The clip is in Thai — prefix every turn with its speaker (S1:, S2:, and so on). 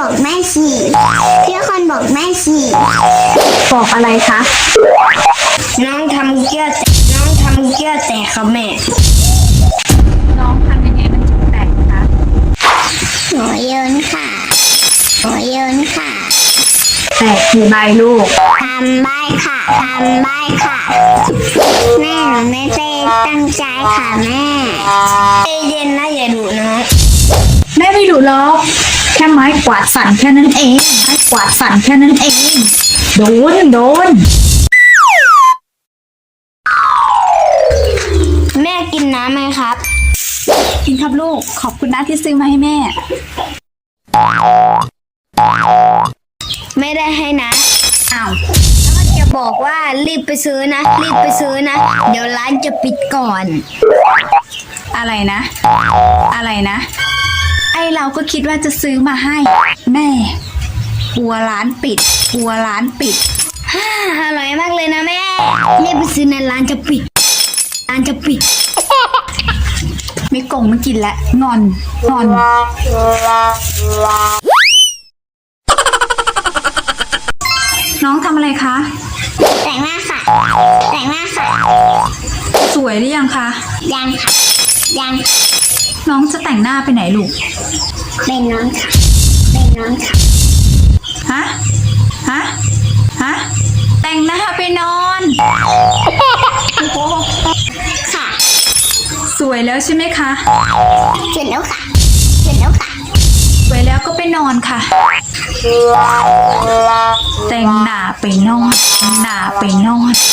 S1: บอกแม่สิพี่คนบอกแม่สิ
S2: บอกอะไรคะ
S1: น้องทำเกี้ยวแตกครับแม่
S2: น้องทำยังไงมันถึงแตกคะ
S1: หัวโยนค่ะ
S2: แตกกี่ใบลูก
S1: ทำใบค่ะแม่หนูไม่ได้ตั้งใจค่ะแม่ใจเย็นนะอย่าดุนะ
S2: แม่ไม่ดุหรอกแค่ไม้กวาดสั่นแค่นั้นเองโดน
S1: แม่กินน้ำไหมครับ
S2: กินครับลูกขอบคุณนะที่ซื้อมาให้แม่
S1: ไม่ได้ให้นะ
S2: อ้าว
S1: แล้วก็จะบอกว่ารีบไปซื้อนะเดี๋ยวร้านจะปิดก่อน
S2: อะไรนะไอเราก็คิดว่าจะซื้อมาให้แม่กลัวร้านปิด
S1: อร่อยมากเลยนะแม่รีบไปซื้อนะร้านจะปิด
S2: ไม่กงไม่กินแล้วงอนน้องทำอะไรคะ
S1: แต่งหน้าค่ะ
S2: สวยหรือยังคะ
S1: ยัง
S2: น้องจะแต่งหน้าไปไหนลูก
S1: เป็นน้องค่ะ
S2: ฮะแต่งหน้าไปนอน
S1: ค่ะ
S2: สวยแล้วใช่ไหมคะ
S1: เสร็จแล้วค่ะ
S2: สวยแล้วก็ไปนอนค่ะแต่งหน้าไปนอน